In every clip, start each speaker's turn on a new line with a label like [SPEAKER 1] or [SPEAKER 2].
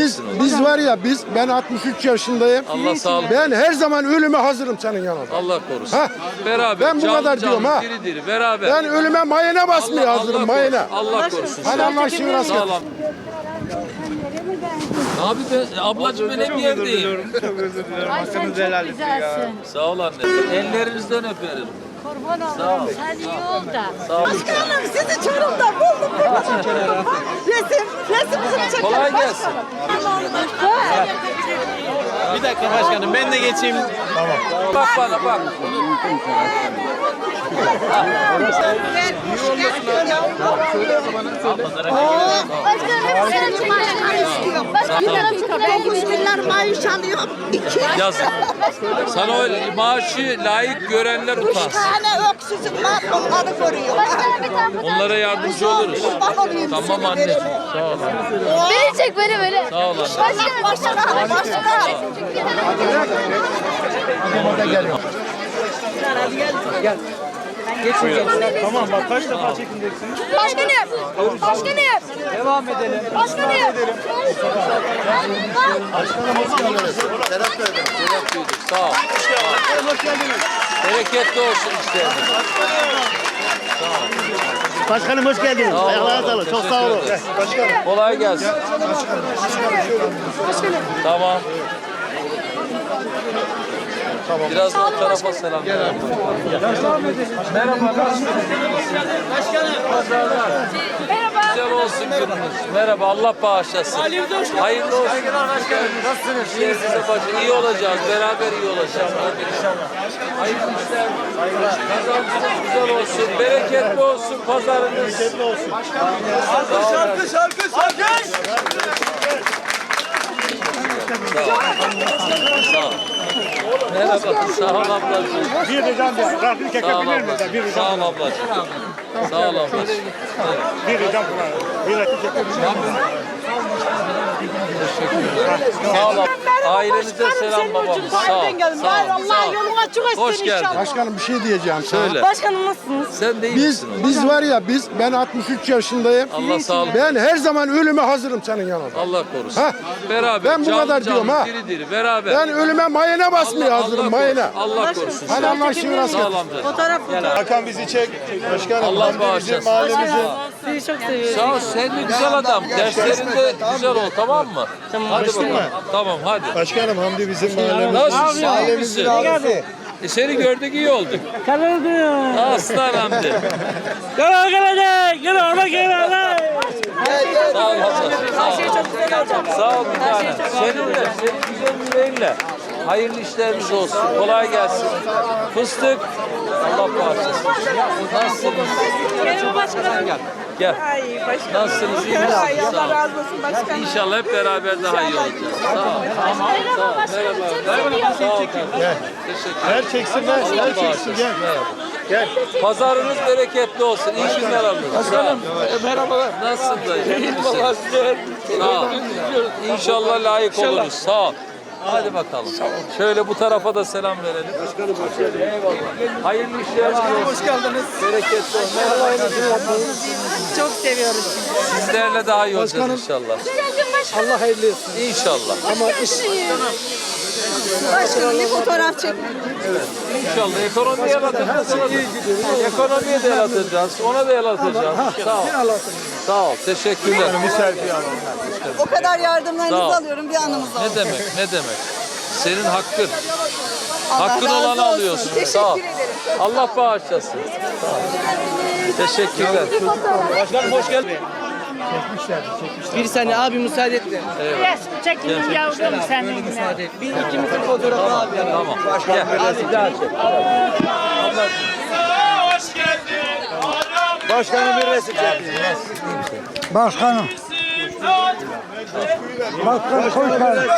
[SPEAKER 1] Biz var ya ben 63 yaşındayım.
[SPEAKER 2] Allah sağlık.
[SPEAKER 1] Ben her zaman ölüme hazırım senin yanında.
[SPEAKER 2] Allah korusun.
[SPEAKER 1] Ha?
[SPEAKER 2] Beraber.
[SPEAKER 1] Ben bu kadar diyorum ha.
[SPEAKER 2] Diri diri beraber.
[SPEAKER 1] Ben ölüme mayına basmaya hazırım mayına.
[SPEAKER 2] Allah korusun.
[SPEAKER 1] Hadi Allah şükür
[SPEAKER 2] Sağ ol. Abi ben ablacığım ben hep yerdeyim.
[SPEAKER 3] Çok özür dilerim.
[SPEAKER 4] Ay sen çok güzelsin.
[SPEAKER 2] Sağ ol anne. Ellerinizden öperim.
[SPEAKER 4] Kurban olurum. Sen iyi ol da.
[SPEAKER 2] Sağ ol.
[SPEAKER 5] Başkanım sizi Çorum'da buldum. Resmimizi çekelim.
[SPEAKER 2] Kolay gelsin.
[SPEAKER 3] Bir dakika başkanım ben de geçeyim.
[SPEAKER 2] Bak bana bak.
[SPEAKER 4] Başkanım hep senin
[SPEAKER 5] Ben 9 milyar maaş alıyorum. 2
[SPEAKER 2] Yazık. Sana o maaşı layık görenler utansın.
[SPEAKER 5] tane öksüzüm var onları koruyor.
[SPEAKER 2] Onlara yardımcı oluruz. Tamam anneciğim. Sağ ol.
[SPEAKER 4] Beni çek beni.
[SPEAKER 2] Sağ ol anne.
[SPEAKER 5] Başkanım.
[SPEAKER 3] Tamam bak kaç defa çekineceksiniz?
[SPEAKER 4] Başkanım.
[SPEAKER 3] Devam edelim.
[SPEAKER 4] Başkanım.
[SPEAKER 2] Şeref duyduk. Sağ ol.
[SPEAKER 3] Hoş geldiniz.
[SPEAKER 2] Bereketli olsun işte.
[SPEAKER 6] Başkanım hoş geldiniz.
[SPEAKER 2] Sağ olun.
[SPEAKER 6] Ayaklarına sağlık. Çok sağ olun.
[SPEAKER 2] Kolay gelsin. Tamam. Biraz da o tarafa selam. Merhaba.
[SPEAKER 4] Merhaba.
[SPEAKER 2] Güzel olsun gününüz. Merhaba. Allah bağışlasın. Hayırlı olsun. Nasılsınız? İyi size başa. İyi olacağız. Beraber iyi olacağız. Hadi inşallah. Hayırlı işler. Kazançınız güzel olsun. Bereketli olsun pazarınız. Bereketli olsun.
[SPEAKER 3] Şarkı.
[SPEAKER 2] Sağ ol. Merhaba. Sağ ol ablacığım.
[SPEAKER 6] Bir de can bir. Rabbim kekek
[SPEAKER 2] Sağ ol
[SPEAKER 6] bilir mi?
[SPEAKER 2] ablacığım. Sağ ol ablacığım. Sağ ol ablacığım.
[SPEAKER 6] Bir de can bir. Bir de kekek bilir mi?
[SPEAKER 2] Sağ ol. Ailenize selam babam. Sağ ol. Sağ ol.
[SPEAKER 5] Allah yolun açık etsin
[SPEAKER 2] Hoş geldin.
[SPEAKER 5] inşallah.
[SPEAKER 1] Başkanım bir şey diyeceğim sana.
[SPEAKER 2] Söyle.
[SPEAKER 5] Başkanım nasılsınız?
[SPEAKER 2] Sen de iyi
[SPEAKER 1] Biz
[SPEAKER 2] misin?
[SPEAKER 1] biz var ya ben 63 yaşındayım.
[SPEAKER 2] Allah sağlık.
[SPEAKER 1] Ben her zaman ölüme hazırım senin yanında.
[SPEAKER 2] Allah korusun.
[SPEAKER 1] Ha?
[SPEAKER 2] Beraber.
[SPEAKER 1] Ben bu
[SPEAKER 2] canlı
[SPEAKER 1] kadar diyorum
[SPEAKER 2] canlı,
[SPEAKER 1] ha.
[SPEAKER 2] Diri diri beraber.
[SPEAKER 1] Ben ölüme mayına basmaya hazırım mayına.
[SPEAKER 2] Allah korusun.
[SPEAKER 1] Hadi Allah şükür
[SPEAKER 2] Sağ ol amca.
[SPEAKER 3] Hakan bizi çek. Başkanım.
[SPEAKER 2] Allah bağışlasın.
[SPEAKER 5] Sizi çok seviyorum.
[SPEAKER 2] Sağ ol. Sen de güzel adam. Derslerinde güzel ol, tamam mı? Hadi bakalım. Tamam hadi.
[SPEAKER 3] Başkanım Hamdi bizim mahallemiz.
[SPEAKER 2] Nasılsın? İyi misin? Seni gördük iyi olduk. Aslan Hamdi. Sağ ol abla. Sağ ol bir tane. Senin güzel yüreğinle. Hayırlı işleriniz olsun. Kolay gelsin. Fıstık. Allah bağışlasın. Nasılsınız?
[SPEAKER 5] Merhaba başkanım.
[SPEAKER 2] Gel.
[SPEAKER 5] Ay başkanım.
[SPEAKER 2] Nasılsınız? İyi misiniz?
[SPEAKER 5] Ay
[SPEAKER 2] Sağ
[SPEAKER 5] Allah
[SPEAKER 2] olun.
[SPEAKER 5] razı olsun başkanım.
[SPEAKER 2] İnşallah hep beraber daha iyi olacağız. Sağ ol.
[SPEAKER 4] Merhaba başkanım. Çok
[SPEAKER 2] Sağ ol.
[SPEAKER 4] seviyorum.
[SPEAKER 2] Teşekkür ederim.
[SPEAKER 3] Ver çeksinler.
[SPEAKER 2] Allah
[SPEAKER 3] Ver çeksin
[SPEAKER 2] bağışlasın.
[SPEAKER 3] gel.
[SPEAKER 2] Merhaba.
[SPEAKER 3] Gel.
[SPEAKER 2] Pazarınız bereketli olsun. İyi günler alın. Başkanım.
[SPEAKER 3] Merhabalar.
[SPEAKER 2] Nasılsın dayı? İyi misin? Sağ ol. İnşallah layık oluruz. Sağ ol. Hadi bakalım. Şöyle bu tarafa da selam verelim. Başkanım hoş geldiniz. Eyvallah. Hayırlı işler.
[SPEAKER 3] Hoş geldiniz.
[SPEAKER 2] Bereketli olsun. Merhaba.
[SPEAKER 5] Çok seviyoruz.
[SPEAKER 2] Sizlerle daha iyi olacağız inşallah.
[SPEAKER 1] Allah hayırlı etsin.
[SPEAKER 2] İnşallah.
[SPEAKER 1] Ama iş
[SPEAKER 5] Başkanım bir fotoğraf çekin.
[SPEAKER 2] İnşallah ekonomiye el atacağız. Ekonomiye de el atacağız. Ona da el atacağız. Sağ ol. Sağ ol. Teşekkürler.
[SPEAKER 3] Bir selfie alalım.
[SPEAKER 5] O kadar yardımlarınızı
[SPEAKER 2] Sağ ol.
[SPEAKER 5] alıyorum bir anımız oldu.
[SPEAKER 2] Ne demek? Ne demek? Senin hakkın.
[SPEAKER 5] Allah
[SPEAKER 2] Hakkın
[SPEAKER 5] razı
[SPEAKER 2] olanı
[SPEAKER 5] olsun.
[SPEAKER 2] alıyorsun. Sağ ol.
[SPEAKER 5] Teşekkür ederim.
[SPEAKER 2] Allah bağışlasın. Sağ ol. Teşekkürler.
[SPEAKER 3] Başkanım hoş geldin. Bir saniye abi müsaade et de.
[SPEAKER 4] Yes, çekin yavrum seninle.
[SPEAKER 3] Bir ikimizin fotoğrafı abi.
[SPEAKER 2] Tamam. Gel. Hadi daha çek.
[SPEAKER 3] Başkanım bir resim çek.
[SPEAKER 1] başkanım. Başkanım hoş geldin.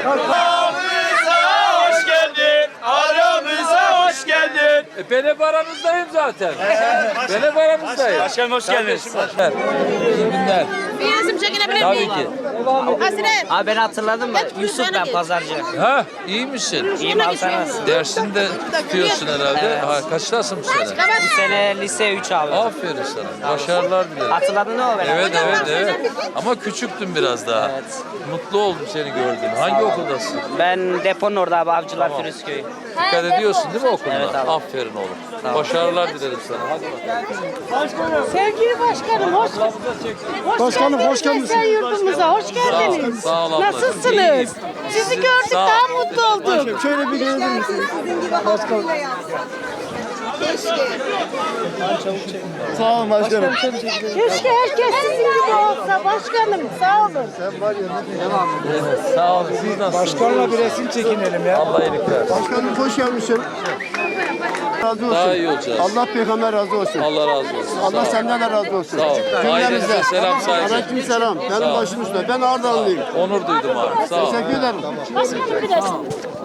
[SPEAKER 7] Hoş geldin, aramıza hoş geldin.
[SPEAKER 2] Ben hep aranızdayım zaten. Ben hep aranızdayım.
[SPEAKER 7] Başkanım hoş geldiniz.
[SPEAKER 2] İyi günler.
[SPEAKER 4] Bir resim çekinebilir
[SPEAKER 2] Tabii
[SPEAKER 4] miyim?
[SPEAKER 2] ki.
[SPEAKER 4] Hasret.
[SPEAKER 3] Abi ben hatırladım da Yusuf ben pazarcı.
[SPEAKER 2] Ha, iyi misin?
[SPEAKER 3] İyiyim abi sen nasılsın?
[SPEAKER 2] Dersini de tutuyorsun herhalde. Ha, kaçtasın bu sene?
[SPEAKER 3] Bu sene lise 3 abi.
[SPEAKER 2] Aferin sana. Başarılar dilerim.
[SPEAKER 3] Hatırladın mı o beni?
[SPEAKER 2] Evet. Ama küçüktün biraz daha. Mutlu oldum seni gördüğüm. Hangi okuldasın?
[SPEAKER 3] Ben deponun orada abi Avcılar Firuzköy.
[SPEAKER 2] Dikkat ediyorsun değil mi okuluna?
[SPEAKER 3] Evet abi.
[SPEAKER 2] Aferin oğlum. Başarılar dilerim sana. Hadi bakalım.
[SPEAKER 4] Sevgili başkanım,
[SPEAKER 1] Başkanım hoş geldiniz.
[SPEAKER 4] Sen yurdumuza hoş geldiniz.
[SPEAKER 2] Sağ ol ablacığım.
[SPEAKER 4] Nasılsınız?
[SPEAKER 2] İyiyim.
[SPEAKER 4] Sizi gördük
[SPEAKER 2] Sağ ol.
[SPEAKER 4] daha mutlu olduk.
[SPEAKER 1] Şöyle bir gelir misiniz?
[SPEAKER 5] Sizin gibi hakkıyla yapsın. Keşke.
[SPEAKER 1] Sağ olun başkanım.
[SPEAKER 4] Keşke herkes sizin gibi olsa başkanım. Sağ olun.
[SPEAKER 2] Sağ olun. Siz nasılsınız?
[SPEAKER 1] Başkanla bir resim çekinelim ya.
[SPEAKER 2] Allah iyilik versin.
[SPEAKER 8] Başkanım hoş gelmişsin. Razı olsun.
[SPEAKER 2] Daha iyi olacağız.
[SPEAKER 8] Allah peygamber razı olsun.
[SPEAKER 2] Allah razı olsun.
[SPEAKER 8] Allah senden de razı olsun.
[SPEAKER 2] Sağ ol. Ailenize selam saygı.
[SPEAKER 8] Aleyküm selam. Benim başım üstüne. Ben Ardahanlıyım.
[SPEAKER 2] Onur duydum abi. Sağ ol.
[SPEAKER 8] Teşekkür ederim.
[SPEAKER 4] Başkanım bir resim.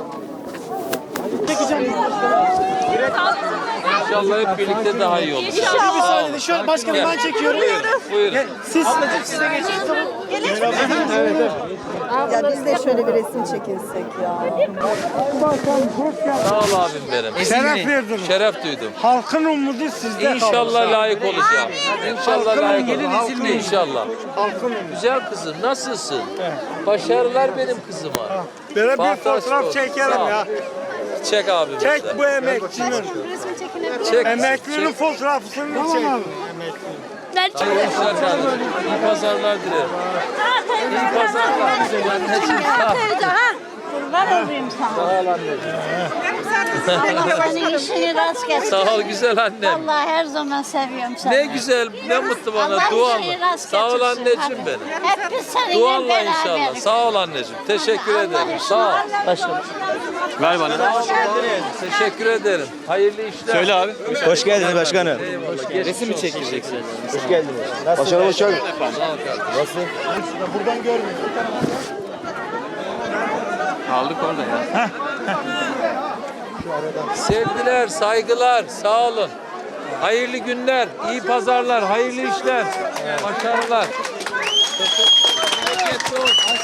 [SPEAKER 2] İnşallah hep birlikte daha iyi olur.
[SPEAKER 4] İnşallah.
[SPEAKER 1] Şöyle başkanım ben çekiyorum.
[SPEAKER 2] Buyurun.
[SPEAKER 1] Siz
[SPEAKER 5] Ya biz de şöyle bir resim çekilsek ya.
[SPEAKER 2] Sağ ol abim benim.
[SPEAKER 1] şeref verdiniz.
[SPEAKER 2] Şeref duydum.
[SPEAKER 1] Halkın umudu sizde.
[SPEAKER 2] İnşallah layık olacağım. İnşallah layık olacağım. İnşallah.
[SPEAKER 1] Halkın
[SPEAKER 2] Güzel kızım nasılsın? Başarılar benim kızıma.
[SPEAKER 1] Böyle bir
[SPEAKER 2] Fantastik
[SPEAKER 1] fotoğraf
[SPEAKER 2] olsun.
[SPEAKER 1] çekelim
[SPEAKER 2] Sağ ol.
[SPEAKER 1] ya.
[SPEAKER 2] Çek abim işte.
[SPEAKER 1] Çek bu emekçinin.
[SPEAKER 4] Resim çekinebilir
[SPEAKER 2] Çek.
[SPEAKER 1] Emeklinin fotoğrafını çek.
[SPEAKER 4] Ben
[SPEAKER 2] Hayırlı işler kardeşim. İyi pazarlar dilerim. İyi pazarlar. Anneciğim sağ ol.
[SPEAKER 4] Kurban olayım sana.
[SPEAKER 2] Sağ ol anneciğim.
[SPEAKER 4] Allah senin işini rast getirsin.
[SPEAKER 2] Sağ ol güzel annem.
[SPEAKER 4] Vallahi her zaman seviyorum seni.
[SPEAKER 2] Ne güzel, ne mutlu bana.
[SPEAKER 4] Allah
[SPEAKER 2] Duanla.
[SPEAKER 4] işini rast
[SPEAKER 2] Sağ ol
[SPEAKER 4] getirsin.
[SPEAKER 2] anneciğim benim.
[SPEAKER 4] Hep biz seninle
[SPEAKER 2] Duanla
[SPEAKER 4] beraberiz.
[SPEAKER 2] inşallah. Sağ ol anneciğim. Teşekkür
[SPEAKER 4] Allah
[SPEAKER 2] ederim.
[SPEAKER 4] işini
[SPEAKER 2] Sağ ol.
[SPEAKER 3] Ver bana.
[SPEAKER 2] Teşekkür ederim. Hayırlı işler.
[SPEAKER 7] Söyle abi.
[SPEAKER 6] Hoş geldiniz başkanım.
[SPEAKER 2] Resim mi çekeceksin?
[SPEAKER 8] Hoş geldiniz. Başkanım hoş geldin.
[SPEAKER 7] Aldık orada ya.
[SPEAKER 2] Sevgiler, saygılar. Sağ olun. Hayırlı günler, iyi pazarlar, hayırlı işler. Başarılar. Bereketli olsun.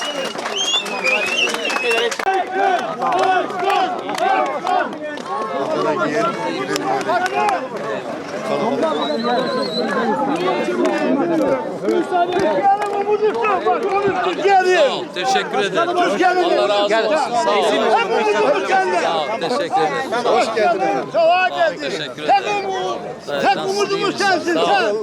[SPEAKER 2] Sağ ol, teşekkür ederim. Allah razı olsun. Sağ ol. Sağ ol, teşekkür ederim. Hoş geldin. Teşekkür ederim. Tek umudumuz sensin sen.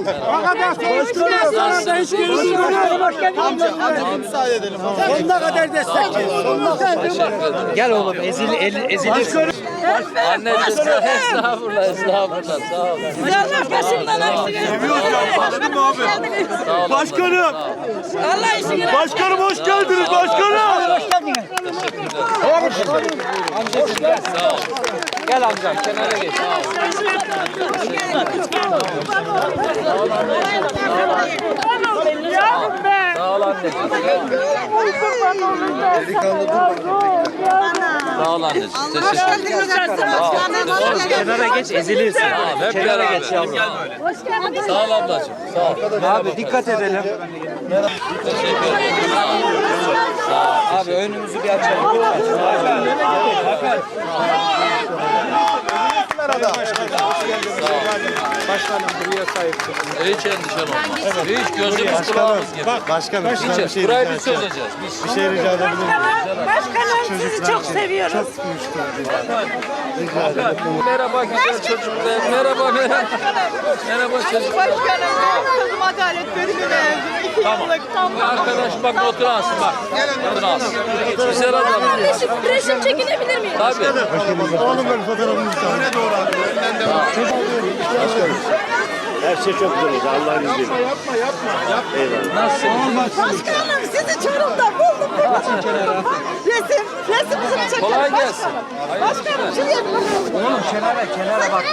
[SPEAKER 1] Sonuna kadar destekleyin.
[SPEAKER 2] Teşekkür ederim.
[SPEAKER 3] Gel oğlum ezilirsin.
[SPEAKER 2] Anneciğim estağfurullah, estağfurullah. Sağ ol.
[SPEAKER 4] Allah başımdan aksın.
[SPEAKER 2] Sağ ol.
[SPEAKER 6] Başkanım.
[SPEAKER 4] Allah işini
[SPEAKER 6] Başkanım hoş geldiniz başkanım.
[SPEAKER 2] Sağ ol. Gel amcam kenara geç. Sağ ol. Sağ ol anneciğim. Sağ ol anneciğim. Teşekkür ederim.
[SPEAKER 3] Kenara geç ezilirsin.
[SPEAKER 2] Tamam, hep
[SPEAKER 3] Kenara
[SPEAKER 2] beraber.
[SPEAKER 3] geç yavrum.
[SPEAKER 2] Sağ ol ablacığım. Sağ ol.
[SPEAKER 3] Abi dikkat edelim.
[SPEAKER 2] Teşekkür ederim. Sağ ol.
[SPEAKER 3] Abi önümüzü bir açalım lütfen.
[SPEAKER 1] Başkanım buraya sahip çıkın.
[SPEAKER 2] Hiç endişen olmaz. Hiç gözümüz kulağımız gibi.
[SPEAKER 8] Başkanım.
[SPEAKER 2] Hiç. Burayı biz çözeceğiz. Biz.
[SPEAKER 8] Bir şey rica edebilir miyim?
[SPEAKER 4] Başkanım sizi çok seviyoruz.
[SPEAKER 2] Merhaba güzel çocuklar. Merhaba merhaba. Merhaba çocuklar.
[SPEAKER 5] Kızım adalet bölümüne yazdım.
[SPEAKER 2] Tamam. Arkadaş bak otur alsın bak. Otur alsın. Güzel adam.
[SPEAKER 4] Resim çekinebilir miyim?
[SPEAKER 2] Tabii.
[SPEAKER 8] Oğlum ben fotoğrafımı istiyorum. Öne doğru abi. Önden devam.
[SPEAKER 6] Her şey çok güzel oldu Allah'ın izniyle.
[SPEAKER 5] Başkanım sizi Çorum'da buldum. Resimimizi çekelim.
[SPEAKER 2] Kolay gelsin.
[SPEAKER 5] Başkanım şuraya bir
[SPEAKER 3] Kenara bak.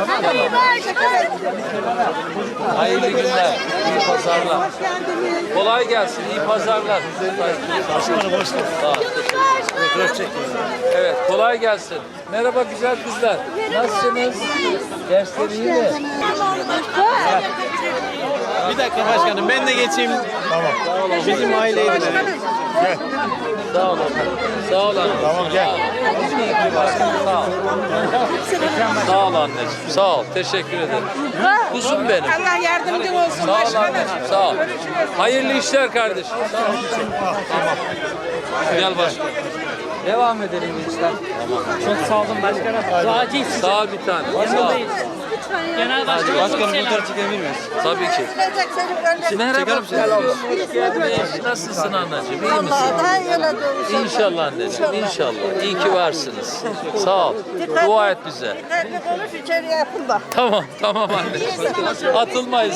[SPEAKER 2] Hayırlı günler. İyi pazarlar. Kolay gelsin. İyi pazarlar.
[SPEAKER 6] Başkanım hoş geldiniz.
[SPEAKER 2] Sağ ol. Teşekkür ederim. Evet, kolay gelsin. Merhaba güzel kızlar. Nasılsınız? Dersleri iyi mi?
[SPEAKER 3] Bir dakika başkanım ben de geçeyim.
[SPEAKER 6] Tamam.
[SPEAKER 3] Bizim aileydi.
[SPEAKER 2] Sağ olun. Sağ olun.
[SPEAKER 6] Tamam gel.
[SPEAKER 2] Sağ ol. Sağ ol anneciğim. Sağ ol. Teşekkür ederim. Kuzum benim.
[SPEAKER 5] Allah yardımcın olsun.
[SPEAKER 2] Sağ ol anneciğim. Sağ ol. Hayırlı işler kardeşim. Sağ ol. Tamam. Gel başkanım.
[SPEAKER 3] Devam edelim gençler. Çok sağ olun başkanım. Acil.
[SPEAKER 2] Sağ ol bir tane. Sağ ol.
[SPEAKER 3] Genel başkanım fotoğraf çekebilir miyiz?
[SPEAKER 2] Tabii ki. Merhaba. Nasılsın anneciğim? İyi misin?
[SPEAKER 5] Daha iyi olacak.
[SPEAKER 2] İnşallah anneciğim. İnşallah. İyi ki varsınız. Sağ ol. Dua et bize.
[SPEAKER 5] Dikkatli konuş içeriye yapın bak.
[SPEAKER 2] Tamam. Tamam anneciğim. Atılmayız.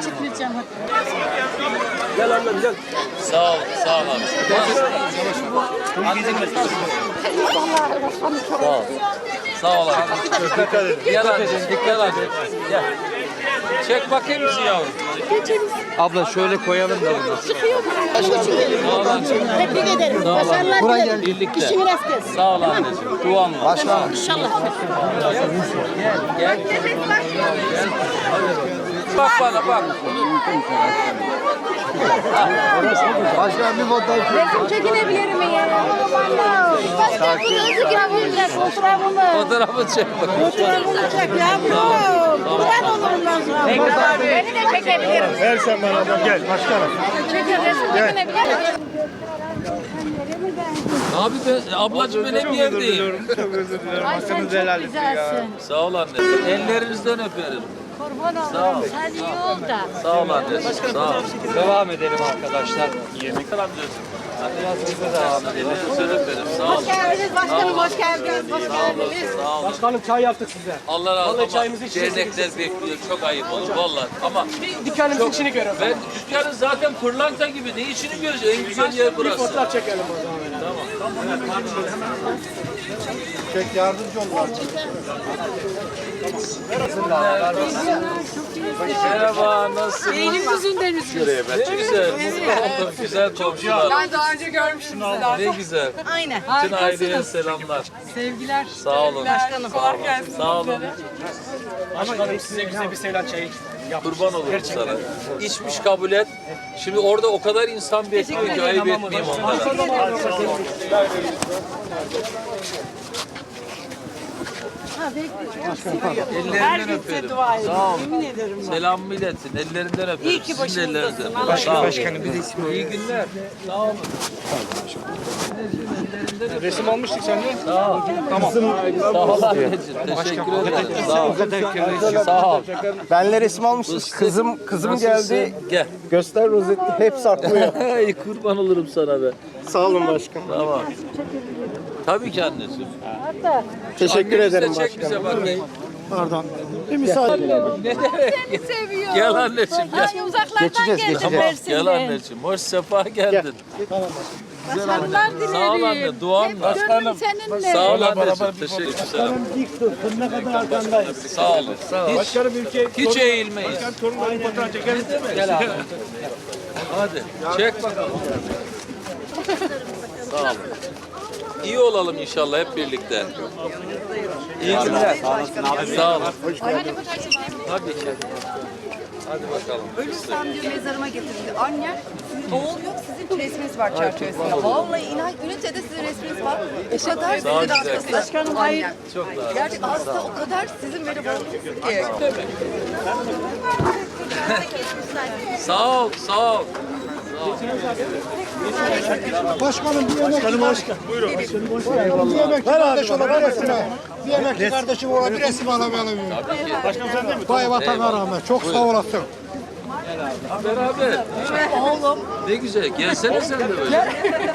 [SPEAKER 1] Gel annem gel.
[SPEAKER 2] Sağ ol. Sağ ol abi. Sağ ol. Sağ ol abi.
[SPEAKER 6] Dikkat edin.
[SPEAKER 2] Gel anneciğim. Dikkat anneciğim. Gel. Çek bakayım bizi yavrum.
[SPEAKER 3] Abla şöyle koyalım da bunu.
[SPEAKER 2] Sağ ol anneciğim.
[SPEAKER 4] Tebrik ederim.
[SPEAKER 2] Sağ ol
[SPEAKER 4] Başarılar
[SPEAKER 2] anneciğim.
[SPEAKER 4] dilerim.
[SPEAKER 2] Birlikte.
[SPEAKER 4] İşin rast gelsin.
[SPEAKER 2] Sağ ol anneciğim. Duan var. Başkanım.
[SPEAKER 4] İnşallah.
[SPEAKER 2] Gel. Bak bana bak.
[SPEAKER 8] Başkan bir fotoğraf.
[SPEAKER 4] Resim çekinebilir miyim? Başka bunu özü girebiliriz. Fotoğrafımı.
[SPEAKER 2] Fotoğrafı çek bakayım.
[SPEAKER 5] Fotoğrafını çek yavrum. Kurban olurum ben sana.
[SPEAKER 4] Beni de çekebilirim.
[SPEAKER 6] Ver sen bana ablam gel. Başkanım.
[SPEAKER 4] Çekin resim çekinebilir miyim?
[SPEAKER 2] Abi ben, ablacığım ben hep yerdeyim.
[SPEAKER 4] Ay sen çok güzelsin.
[SPEAKER 2] Sağ ol anneciğim. Ellerinizden öperim.
[SPEAKER 4] Kurban olurum. Sen iyi ol da.
[SPEAKER 2] Sağ ol anneciğim. Sağ ol.
[SPEAKER 3] Devam edelim arkadaşlar.
[SPEAKER 2] Yemek alabiliyorsun. Ellerinizden öperim. Sağ ol.
[SPEAKER 5] Hoş geldiniz başkanım, hoş geldiniz. Hoş geldiniz.
[SPEAKER 2] Sağ ol.
[SPEAKER 1] Başkanım çay yaptık size.
[SPEAKER 2] Allah razı olsun.
[SPEAKER 1] çayımızı içeceğiz.
[SPEAKER 2] Dernekler bekliyor. Çok ayıp olur vallahi. Ama
[SPEAKER 1] Dükkanımızın içini görüyorum.
[SPEAKER 2] ben dükkanın zaten pırlanta gibi. Ne işini göreceğiz? En güzel yer burası.
[SPEAKER 1] Fotoğraf çekelim o zaman.
[SPEAKER 8] Çek yardımcı olun.
[SPEAKER 2] Merhaba, nasılsınız?
[SPEAKER 5] Benim yüzünden üzülüyorum.
[SPEAKER 2] Ne güzel, mutlu oldum. Güzel komşular.
[SPEAKER 5] Ben daha önce görmüştüm sizi.
[SPEAKER 2] Ne güzel.
[SPEAKER 5] Aynen.
[SPEAKER 2] Bütün aileye selamlar.
[SPEAKER 5] Sevgiler.
[SPEAKER 2] Sağ olun.
[SPEAKER 5] Başkanım. Kolay gelsin.
[SPEAKER 2] Sağ olun.
[SPEAKER 1] Başkanım size güzel bir Seylan çayı
[SPEAKER 2] Kurban olurum sana. İçmiş kabul et. Şimdi orada o kadar insan bekliyor ki ayıp etmeyeyim onlara. Ellerinden öperim. Sağ ol. Selamımı iletin. Ellerinden öperim. İyi ki başınızdasın. Başkanım bir de ismi. İyi günler. Sağ olun.
[SPEAKER 1] Resim almıştık seninle.
[SPEAKER 2] Sağ ol. Tamam. Sağ ol anneciğim. Teşekkür ederim. Sağ ol. Sağ ol.
[SPEAKER 8] Benle resim almışsınız. Kızım geldi.
[SPEAKER 2] Gel.
[SPEAKER 8] Göster rozeti. Hep saklıyor.
[SPEAKER 2] Ay kurban olurum sana be.
[SPEAKER 8] Sağ olun başkan.
[SPEAKER 2] Tamam. Tabii ki anneciğim.
[SPEAKER 8] Teşekkür
[SPEAKER 2] Annemiz de
[SPEAKER 8] ederim
[SPEAKER 2] çek bize
[SPEAKER 8] başkanım.
[SPEAKER 2] bakayım.
[SPEAKER 8] Pardon. Bir müsaade.
[SPEAKER 2] Ne demek?
[SPEAKER 4] Seviyorum.
[SPEAKER 2] Gel anneciğim gel.
[SPEAKER 4] Ay uzaklardan geldim
[SPEAKER 2] Tamam,
[SPEAKER 4] Mersin'den.
[SPEAKER 2] gel anneciğim. Hoş sefa geldin.
[SPEAKER 4] Başarılar dilerim.
[SPEAKER 2] Sağ ol anne. Duan var.
[SPEAKER 4] Gönlüm seninle.
[SPEAKER 2] Sağ ol anneciğim. Teşekkür ederim.
[SPEAKER 1] Dik dur. Ne kadar arkandayız.
[SPEAKER 2] Sağ olun.
[SPEAKER 1] Başkanım ülke
[SPEAKER 2] Hiç eğilmeyiz.
[SPEAKER 6] Torunların fotoğraf çekelim.
[SPEAKER 2] Gel abi. Hadi. Çek bakalım. Sağ olun. İyi olalım inşallah hep birlikte. İyi günler. Sağ olun. Tabii ki. Hadi bakalım.
[SPEAKER 9] Ölürsem diyor mezarıma getirildi. Annem, oğul yok sizin resminiz var çerçevesinde. Vallahi inan ünitede sizin resminiz var. O kadar sizin
[SPEAKER 2] güzel.
[SPEAKER 9] hastası. Başkanım hayır.
[SPEAKER 2] Çok daha.
[SPEAKER 9] Gerçek hasta o kadar sizin böyle bağlısınız ki.
[SPEAKER 2] Sağ ol. Sağ ol.
[SPEAKER 8] Başkanım bir emekli başkan. Buyurun. Bir emekli kardeş olabilir mi? Bir emekli kardeşim olabilir. Resim alamayalım.
[SPEAKER 6] Başkanım sen değil mi?
[SPEAKER 8] Vay vatana rağmen. Çok sağ olasın.
[SPEAKER 2] Beraber.
[SPEAKER 9] Oğlum.
[SPEAKER 2] Ne güzel. Gelsene sen de böyle.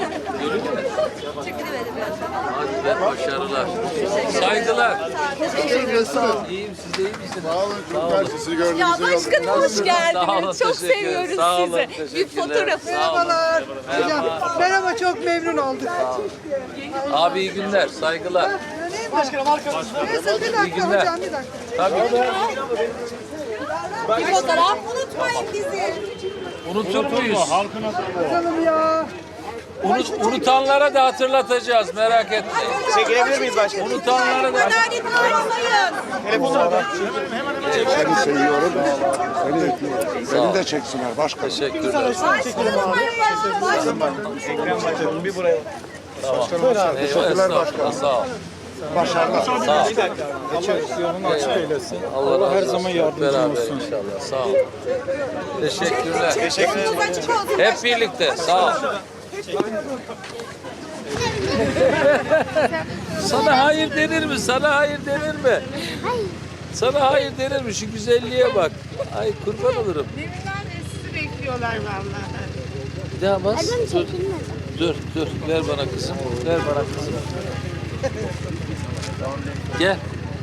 [SPEAKER 2] Hadi be, başarılar. Saygılar. İyiyim, siz de iyi misiniz?
[SPEAKER 8] Sağ olun. Çok sizi gördüm.
[SPEAKER 9] Ya başkanım hoş
[SPEAKER 2] Sağ olun,
[SPEAKER 9] geldiniz. Çok
[SPEAKER 2] teşekkür
[SPEAKER 9] seviyoruz
[SPEAKER 2] ederim. Sağ olun,
[SPEAKER 9] sizi. Bir
[SPEAKER 2] teşekkürler.
[SPEAKER 9] fotoğraf.
[SPEAKER 2] Sağ olun. Merhaba.
[SPEAKER 5] Merhaba, çok memnun olduk.
[SPEAKER 2] Abi iyi günler, saygılar.
[SPEAKER 1] Başkanım arkamızda.
[SPEAKER 5] Neyse bir
[SPEAKER 2] İyi
[SPEAKER 5] dakika
[SPEAKER 2] günler.
[SPEAKER 5] hocam, bir dakika.
[SPEAKER 2] Tabii.
[SPEAKER 9] Bir fotoğraf unutmayın bizi.
[SPEAKER 2] Unutur muyuz?
[SPEAKER 6] Halkın adına.
[SPEAKER 5] Canım ya.
[SPEAKER 2] Unutanlara da hatırlatacağız, merak etmeyin.
[SPEAKER 7] Çekilebilir miyiz başkanım?
[SPEAKER 2] Unutanlara da...
[SPEAKER 6] Seni seviyorum. Beni de çeksinler başkanım.
[SPEAKER 2] Teşekkürler.
[SPEAKER 1] Bir buraya.
[SPEAKER 2] Teşekkürler başkanım. Sağ ol.
[SPEAKER 6] Başarılar.
[SPEAKER 2] Sağ ol. Allah her zaman yardımcı olsun. İnşallah. Sağ ol. Teşekkürler. Hep birlikte. Sağ ol. Sana hayır denir mi? Sana hayır denir mi? Sana hayır denir mi? Şu güzelliğe bak. Ay kurban olurum.
[SPEAKER 10] Deminden de sizi bekliyorlar vallahi.
[SPEAKER 2] Bir daha bas. Dur. Ver bana kızım. Ver bana kızım. Gel.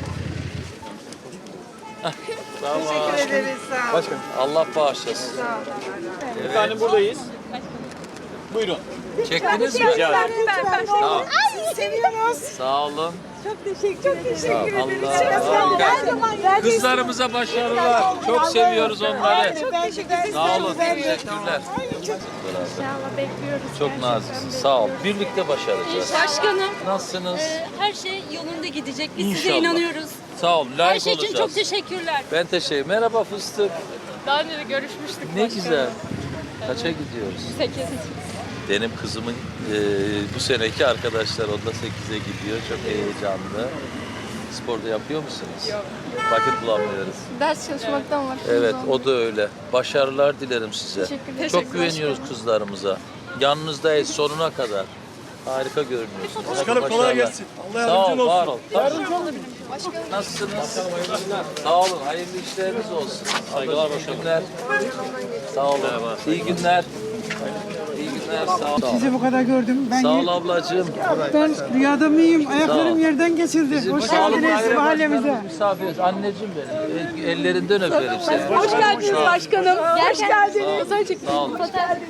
[SPEAKER 2] Hah, tamam.
[SPEAKER 10] Teşekkür ederiz. Sağ olun.
[SPEAKER 2] Allah bağışlasın.
[SPEAKER 1] Efendim buradayız. Buyurun.
[SPEAKER 2] Çektiniz mi? Tamam.
[SPEAKER 10] Seviyoruz.
[SPEAKER 2] Sağ olun.
[SPEAKER 10] Çok teşekkür ederiz.
[SPEAKER 2] Allah. Kızlarımıza başarılar. Çok seviyoruz onları.
[SPEAKER 10] Ben
[SPEAKER 2] Sağ olun. Teşekkürler.
[SPEAKER 4] İnşallah bekliyoruz.
[SPEAKER 2] Çok naziksin. Sağ ol. Birlikte başaracağız.
[SPEAKER 11] Başkanım,
[SPEAKER 2] Nasılsınız?
[SPEAKER 11] her şey yolunda gidecek. Biz size
[SPEAKER 2] İnşallah.
[SPEAKER 11] inanıyoruz.
[SPEAKER 2] Sağ ol.
[SPEAKER 11] Her
[SPEAKER 2] Layık
[SPEAKER 11] şey için
[SPEAKER 2] olacağız.
[SPEAKER 11] çok teşekkürler.
[SPEAKER 2] Ben teşekkür. Merhaba fıstık.
[SPEAKER 11] Daha önce de görüşmüştük.
[SPEAKER 2] Ne güzel. Kaça gidiyoruz?
[SPEAKER 11] 8.
[SPEAKER 2] Benim kızımın bu seneki arkadaşlar onda 8'e gidiyor. Çok heyecanlı. Sporda yapıyor musunuz? Yok. Vakit bulamıyoruz.
[SPEAKER 4] Ders çalışmaktan var.
[SPEAKER 2] Evet, o da öyle. Başarılar dilerim size.
[SPEAKER 4] Teşekkürler.
[SPEAKER 2] Çok güveniyoruz kızlarımıza. Yanınızdayız sonuna kadar. Harika görünüyorsunuz.
[SPEAKER 1] Başkanım kolay
[SPEAKER 2] Başarılar.
[SPEAKER 1] gelsin. Allah
[SPEAKER 2] Sağ ol,
[SPEAKER 1] yardımcın
[SPEAKER 2] var
[SPEAKER 1] olsun.
[SPEAKER 2] ol. Nasılsınız? Sağ olun, hayırlı işleriniz olsun. Saygılar başkanım. Sağ olun. İyi günler. İyi günler, sağ ol.
[SPEAKER 8] Sizi bu kadar gördüm. Ben
[SPEAKER 2] Sağ ol ablacığım.
[SPEAKER 8] ben rüyada mıyım?
[SPEAKER 2] Sağ ol.
[SPEAKER 8] Ayaklarım yerden kesildi.
[SPEAKER 2] Bizim
[SPEAKER 8] Hoş
[SPEAKER 2] sağlık
[SPEAKER 8] geldiniz
[SPEAKER 2] daire
[SPEAKER 8] mahallemize.
[SPEAKER 2] başkanımız misafiriz. Anneciğim benim. Ellerinden öperim seni.
[SPEAKER 11] Hoş geldiniz başkanım. Hoş geldiniz.
[SPEAKER 2] Sağ olun.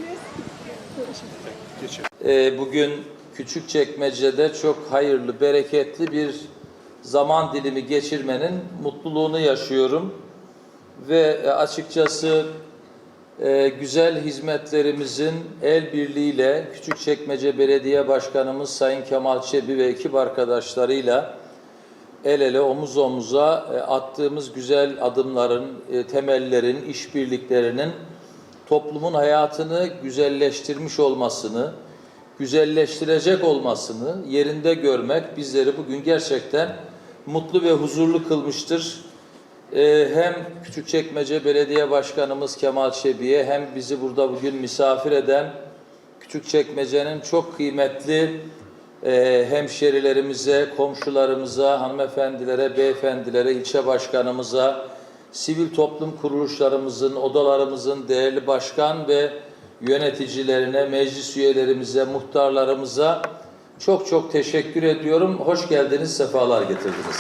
[SPEAKER 2] Bugün Küçükçekmece'de çok hayırlı, bereketli bir zaman dilimi geçirmenin mutluluğunu yaşıyorum. Ve açıkçası güzel hizmetlerimizin el birliğiyle Küçükçekmece Belediye Başkanımız Sayın Kemal Çebi ve ekip arkadaşlarıyla el ele omuz omuza attığımız güzel adımların, temellerin, işbirliklerinin toplumun hayatını güzelleştirmiş olmasını, güzelleştirecek olmasını yerinde görmek bizleri bugün gerçekten mutlu ve huzurlu kılmıştır. Hem Küçükçekmece Belediye Başkanımız Kemal Çebi'ye hem bizi burada bugün misafir eden Küçükçekmece'nin çok kıymetli hemşerilerimize, komşularımıza, hanımefendilere, beyefendilere, ilçe başkanımıza, sivil toplum kuruluşlarımızın, odalarımızın değerli başkan ve yöneticilerine, meclis üyelerimize, muhtarlarımıza çok çok teşekkür ediyorum. Hoş geldiniz, sefalar getirdiniz.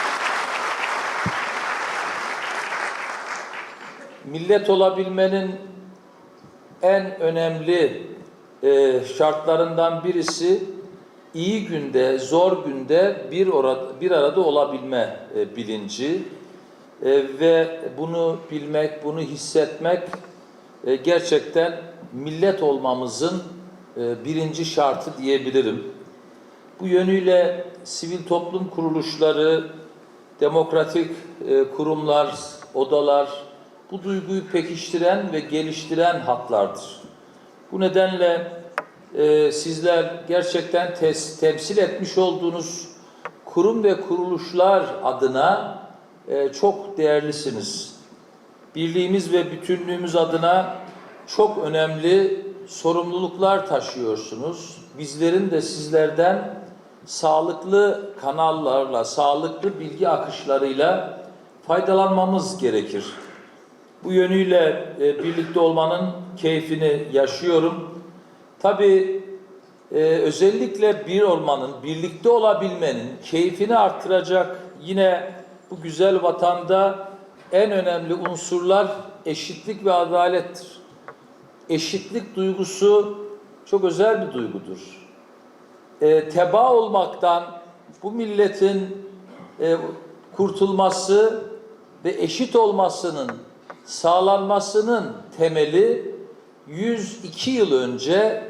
[SPEAKER 2] Millet olabilmenin en önemli şartlarından birisi iyi günde, zor günde bir arada olabilme bilinci ve bunu bilmek, bunu hissetmek gerçekten millet olmamızın birinci şartı diyebilirim. Bu yönüyle sivil toplum kuruluşları, demokratik kurumlar, odalar bu duyguyu pekiştiren ve geliştiren hatlardır. Bu nedenle sizler gerçekten temsil etmiş olduğunuz kurum ve kuruluşlar adına çok değerlisiniz. Birliğimiz ve bütünlüğümüz adına çok önemli sorumluluklar taşıyorsunuz. Bizlerin de sizlerden sağlıklı kanallarla, sağlıklı bilgi akışlarıyla faydalanmamız gerekir. Bu yönüyle birlikte olmanın keyfini yaşıyorum. Tabii özellikle bir olmanın, birlikte olabilmenin keyfini artıracak yine bu güzel vatanda en önemli unsurlar eşitlik ve adalettir. Eşitlik duygusu çok özel bir duygudur. Tebaa olmaktan bu milletin kurtulması ve eşit olmasının sağlanmasının temeli 102 yıl önce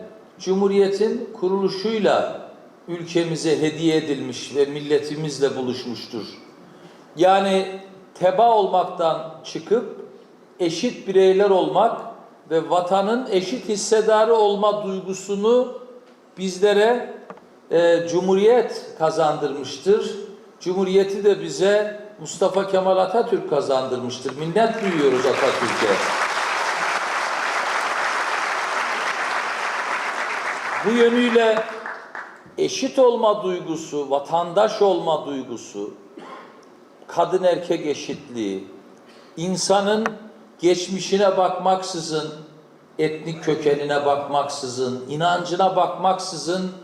[SPEAKER 2] Cumhuriyet'in kuruluşuyla ülkemize hediye edilmiş ve milletimizle buluşmuştur. Yani teba olmaktan çıkıp eşit bireyler olmak ve vatanın eşit hissedarı olma duygusunu bizlere Cumhuriyet kazandırmıştır. Cumhuriyeti de bize Mustafa Kemal Atatürk kazandırmıştır. Minnet duyuyoruz Atatürk'e. Bu yönüyle eşit olma duygusu, vatandaş olma duygusu, kadın erkek eşitliği, insanın geçmişine bakmaksızın, etnik kökenine bakmaksızın, inancına bakmaksızın